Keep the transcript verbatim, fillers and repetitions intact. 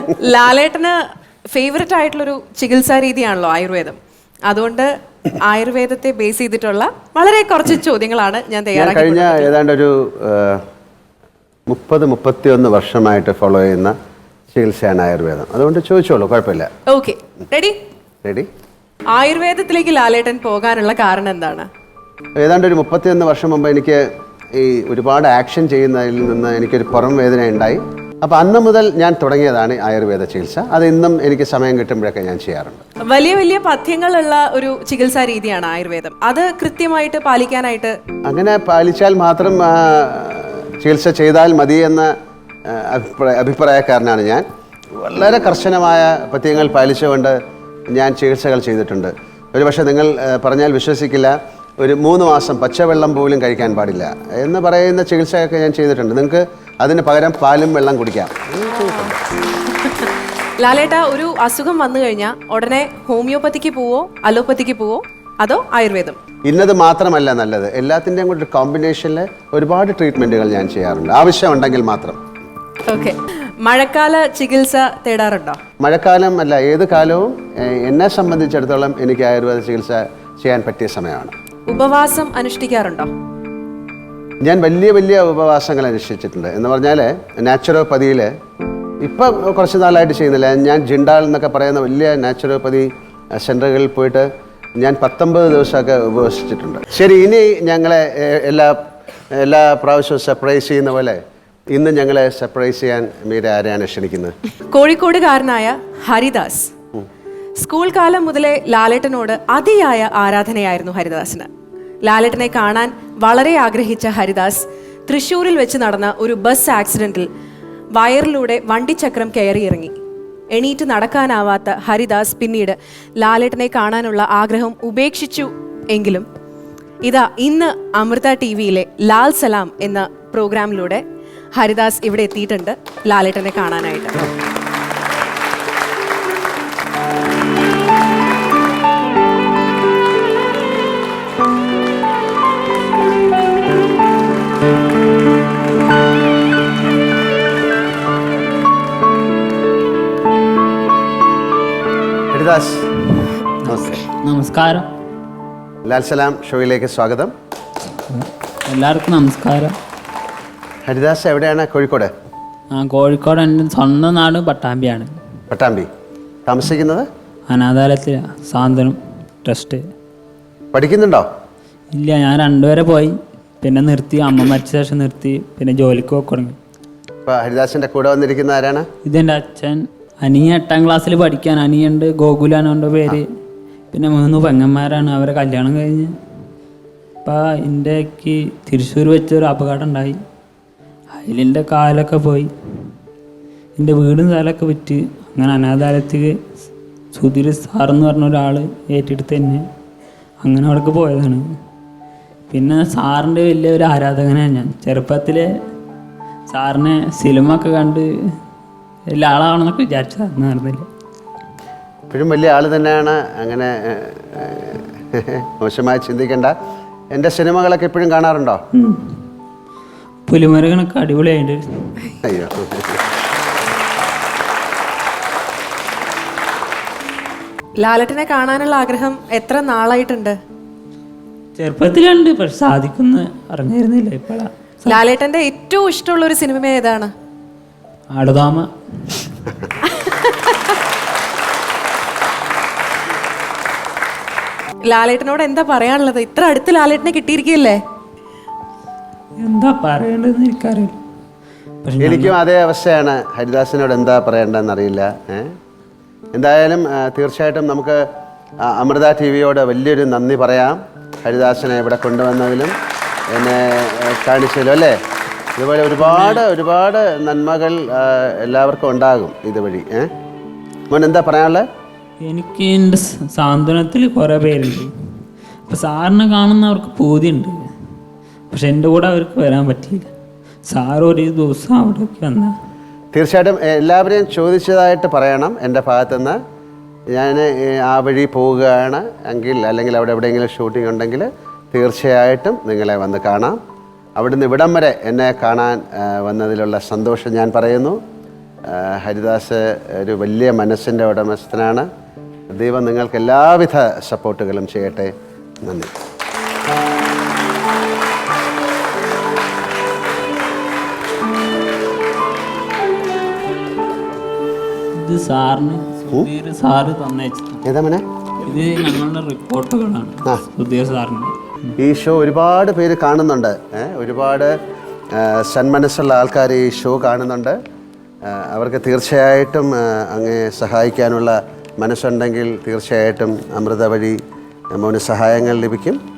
ലാലേട്ടന് favourite ആയിട്ടുള്ളൊരു ചികിത്സാ രീതിയാണല്ലോ ആയുർവേദം. അതുകൊണ്ട് ആയുർവേദത്തെ ബേസ് ചെയ്തിട്ടുള്ള വളരെ കുറച്ച് ചോദ്യങ്ങളാണ് ഞാൻ തയ്യാറാക്കി. കഴിഞ്ഞ ഏതാണ്ട് ഒരു മുപ്പത് മുപ്പത്തിയൊന്ന് വർഷമായിട്ട് ഫോളോ ചെയ്യുന്ന ചികിത്സയാണ് ആയുർവേദം. അതുകൊണ്ട് ചോദിച്ചോളൂ, കുഴപ്പമില്ല. ഓക്കെ, റെഡി റെഡി ആയുർവേദത്തിലേക്ക് ലാലേട്ടൻ പോകാനുള്ള കാരണം എന്താണ്? ഏതാണ്ട് ഒരു മുപ്പത്തിയൊന്ന് വർഷം മുമ്പ് എനിക്ക് ഈ ഒരുപാട് ആക്ഷൻ ചെയ്യുന്നതിൽ നിന്ന് എനിക്കൊരു പുറം വേദന ഉണ്ടായി. അപ്പോൾ അന്ന് മുതൽ ഞാൻ തുടങ്ങിയതാണ് ആയുർവേദ ചികിത്സ. അത് ഇന്നും എനിക്ക് സമയം കിട്ടുമ്പോഴൊക്കെ ഞാൻ ചെയ്യാറുണ്ട്. വലിയ വലിയ പഥ്യങ്ങളുള്ള ഒരു ചികിത്സാ രീതിയാണ് ആയുർവേദം. അത് കൃത്യമായിട്ട് പാലിക്കാനായിട്ട് അങ്ങനെ പാലിച്ചാൽ മാത്രം ചികിത്സ ചെയ്താൽ മതി എന്ന അഭിപ്രായ അഭിപ്രായക്കാരനാണ് ഞാൻ. വളരെ കർശനമായ പഥ്യങ്ങൾ പാലിച്ചുകൊണ്ട് ഞാൻ ചികിത്സകൾ ചെയ്തിട്ടുണ്ട്. ഒരുപക്ഷെ നിങ്ങൾ പറഞ്ഞാൽ വിശ്വസിക്കില്ല, ഒരു മൂന്ന് മാസം പച്ചവെള്ളം പോലും കഴിക്കാൻ പാടില്ല എന്ന് പറയുന്ന ചികിത്സയൊക്കെ ഞാൻ ചെയ്തിട്ടുണ്ട്. നിങ്ങൾക്ക് അതിന് പകരം പാലും വെള്ളം കുടിക്കാം. ലാലേട്ട, ഒരു അസുഖം വന്നു കഴിഞ്ഞാൽ ഉടനെ ഹോമിയോപ്പതിക്ക് പോവോ അലോപ്പതിക്ക് പോവോ അതോ ആയുർവേദം? ഇന്നത് മാത്രമല്ല നല്ലത്, എല്ലാത്തിൻ്റെയും കൂടെ ഒരു കോമ്പിനേഷനിൽ ഒരുപാട് ട്രീറ്റ്മെൻറ്റുകൾ ഞാൻ ചെയ്യാറുണ്ട്, ആവശ്യമുണ്ടെങ്കിൽ മാത്രം. ഓക്കെ, മഴക്കാല ചികിത്സ തേടാറുണ്ടോ? മഴക്കാലം അല്ല, ഏത് കാലവും എന്നെ സംബന്ധിച്ചിടത്തോളം എനിക്ക് ആയുർവേദ ചികിത്സ ചെയ്യാൻ പറ്റിയ സമയമാണ്. ഉപവാസം അനുഷ്ഠിക്കാറുണ്ടോ? ഞാൻ വലിയ വലിയ ഉപവാസങ്ങൾ അനുഷ്ഠിച്ചിട്ടുണ്ട്. എന്ന് പറഞ്ഞാൽ നാച്ചുറോപ്പതിയിൽ ഇപ്പം കുറച്ച് നാളായിട്ട് ചെയ്യുന്നില്ല. ഞാൻ ജിണ്ടാൾ എന്നൊക്കെ പറയുന്ന വലിയ നാച്ചുറോപ്പതി സെൻ്ററുകളിൽ പോയിട്ട് ഞാൻ പത്തൊമ്പത് ദിവസമൊക്കെ ഉപവസിച്ചിട്ടുണ്ട്. ശരി, ഇനി ഞങ്ങളെ എല്ലാ എല്ലാ പ്രാവശ്യവും സർപ്രൈസ് ചെയ്യുന്ന പോലെ ഇന്ന് ഞങ്ങളെ സർപ്രൈസ് ചെയ്യാൻ മീര ആരെയാണ് ക്ഷണിക്കുന്നത്? കോഴിക്കോടുകാരനായ ഹരിദാസ്. സ്കൂൾ കാലം മുതലേ ലാലേട്ടനോട് അതിയായ ആരാധനയായിരുന്നു ഹരിദാസിന്. ലാലേട്ടനെ കാണാൻ വളരെ ആഗ്രഹിച്ച ഹരിദാസ് തൃശ്ശൂരിൽ വെച്ച് നടന്ന ഒരു ബസ് ആക്സിഡന്റിൽ വയറിലൂടെ വണ്ടിച്ചക്രം കയറിയിറങ്ങി. എണീറ്റ് നടക്കാനാവാത്ത ഹരിദാസ് പിന്നീട് ലാലേട്ടനെ കാണാനുള്ള ആഗ്രഹം ഉപേക്ഷിച്ചു. എങ്കിലും ഇതാ ഇന്ന് അമൃത ടി വിയിലെ ലാൽ സലാം എന്ന പ്രോഗ്രാമിലൂടെ ഹരിദാസ് ഇവിടെ എത്തിയിട്ടുണ്ട് ലാലേട്ടനെ കാണാനായിട്ട്. ഹരിദാസ്, നമസ്കാരം. ലാൽ സലാം ഷോയിലേക്ക് സ്വാഗതം. എല്ലാവർക്കും നമസ്കാരം. ഹരിദാസ് എവിടെയാണ്? കോഴിക്കോട്? ആ, കോഴിക്കോട്. എൻ്റെ സ്വന്തം നാട് പട്ടാമ്പിയാണ്. പട്ടാമ്പി. താമസിക്കുന്നത് അനാഥാലയത്തിൽ സാന്ത്വനം ട്രസ്റ്റ്. പഠിക്കുന്നുണ്ടോ? ഇല്ല, ഞാൻ രണ്ടുപേരെ പോയി, പിന്നെ നിർത്തി. അമ്മ മരിച്ച ശേഷം നിർത്തി, പിന്നെ ജോലിക്ക് പോയി തുടങ്ങി. ഇപ്പോൾ ഹരിദാസിൻ്റെ കൂടെ വന്നിരിക്കുന്ന ആരാണ്? ഇതെൻ്റെ അച്ഛൻ. അനിയ എട്ടാം ക്ലാസ്സിൽ പഠിക്കാൻ. അനിയുണ്ട്, ഗോകുലാണ് എൻ്റെ പേര്. പിന്നെ മൂന്ന് പെങ്ങന്മാരാണ്, അവരെ കല്യാണം കഴിഞ്ഞ്. ഇപ്പം എൻ്റെക്ക് തൃശ്ശൂർ വെച്ചൊരു അപകടം ഉണ്ടായി. അതിലെൻ്റെ കാലൊക്കെ പോയി. എൻ്റെ വീടും സ്ഥലമൊക്കെ വിറ്റ് അങ്ങനെ അനാഥാലയത്തിൽ സുധീർ സാറെന്ന് പറഞ്ഞ ഒരാൾ ഏറ്റെടുത്ത് തന്നെ അങ്ങനെ അവിടേക്ക് പോയതാണ്. പിന്നെ സാറിൻ്റെ വലിയൊരു ആരാധകനാണ് ഞാൻ. ചെറുപ്പത്തിൽ സാറിനെ സിനിമ ഒക്കെ കണ്ട് എല്ലാ ആളാണെന്നൊക്കെ വിചാരിച്ചത് നടന്നില്ല. ഇപ്പോഴും വലിയ ആൾ തന്നെയാണ്, അങ്ങനെ മോശമായി ചിന്തിക്കേണ്ട. എൻ്റെ സിനിമകളൊക്കെ ഇപ്പോഴും കാണാറുണ്ടോ? പുലിമരുകനൊക്കെ അടിപൊളിയായിട്ട്. അയ്യോ, ലാലേട്ടനെ കാണാനുള്ള ആഗ്രഹം എത്ര നാളായിട്ടുണ്ട്? ചെറുപ്പത്തിലുണ്ട്, പക്ഷെ സാധിക്കുന്ന അറിഞ്ഞിരുന്നില്ല. ഇപ്പോഴാ. ലാലേട്ടന്റെ ഏറ്റവും ഇഷ്ടമുള്ള ഒരു സിനിമ ഏതാണ്? ആടുതാമ. ലാലേട്ടനോട് എന്താ പറയാനുള്ളത്? ഇത്ര അടുത്ത് ലാലേട്ടനെ കിട്ടിയിരിക്കുകയല്ലേ? എന്താ പറയേണ്ടതെന്ന് എനിക്കറിയില്ല. എനിക്കും അതേ അവസ്ഥയാണ്. ഹരിദാസിനോട് എന്താ പറയേണ്ടതെന്ന് അറിയില്ല. എന്തായാലും തീർച്ചയായിട്ടും നമുക്ക് അമൃത ടി വിയോട് വലിയൊരു നന്ദി പറയാം. ഹരിദാസിനെ ഇവിടെ കൊണ്ടുവന്നതിലും എന്നെ കാണിച്ചതിലും അല്ലേ. ഇതുപോലെ ഒരുപാട് ഒരുപാട് നന്മകൾ എല്ലാവർക്കും ഉണ്ടാകും ഇതുവഴി. ഏഹ് മോൻ എന്താ പറയാനുള്ളത്? എനിക്ക് എൻ്റെ സാന്ത്വനത്തിൽ കുറേ പേരുണ്ട്. അപ്പോൾ സാറിനെ കാണുന്നവർക്ക് പൂതിയുണ്ട്, പക്ഷെ എൻ്റെ കൂടെ അവർക്ക് വരാൻ പറ്റിയില്ല. സാർ ഒരു ദിവസം അവിടേക്ക് വന്ന തീർച്ചയായിട്ടും എല്ലാവരെയും ചോദിച്ചതായിട്ട് പറയണം. എൻ്റെ ഭാഗത്തുനിന്ന് ഞാൻ ആ വഴി പോവുകയാണ് എങ്കിൽ, അല്ലെങ്കിൽ അവിടെ എവിടെയെങ്കിലും ഷൂട്ടിംഗ് ഉണ്ടെങ്കിൽ തീർച്ചയായിട്ടും നിങ്ങളെ വന്ന് കാണാം. അവിടുന്ന് ഇവിടം വരെ എന്നെ കാണാൻ വന്നതിലുള്ള സന്തോഷം ഞാൻ പറയുന്നു. ആ, ഹരിദാസ് ഒരു വലിയ മനസ്സിൻ്റെ ഉടമസ്ഥനാണ്. ദൈവം നിങ്ങൾക്ക് എല്ലാവിധ സപ്പോർട്ടുകളും ചെയ്യട്ടെ. നന്ദി. ഇത് സാറിന് സുധീർ സാറ് തന്നേച്ചു. ഏതാ മോനെ? ഇത് ഞങ്ങളുടെ റിപ്പോർട്ടുകളാണ് ആ. സുധീർ സാറിന്. ഈ ഷോ ഒരുപാട് പേര് കാണുന്നുണ്ട്. ഏ, ഒരുപാട് ആ, സന്മനസ്സുള്ള ആൾക്കാർ ഈ ഷോ കാണുന്നുണ്ട്. ആ, അവർക്ക് തീർച്ചയായിട്ടും ആ, അങ്ങേ സഹായിക്കാനുള്ള മനസ്സുണ്ടെങ്കിൽ തീർച്ചയായിട്ടും അമൃത വഴി മോന് സഹായങ്ങൾ ലഭിക്കും.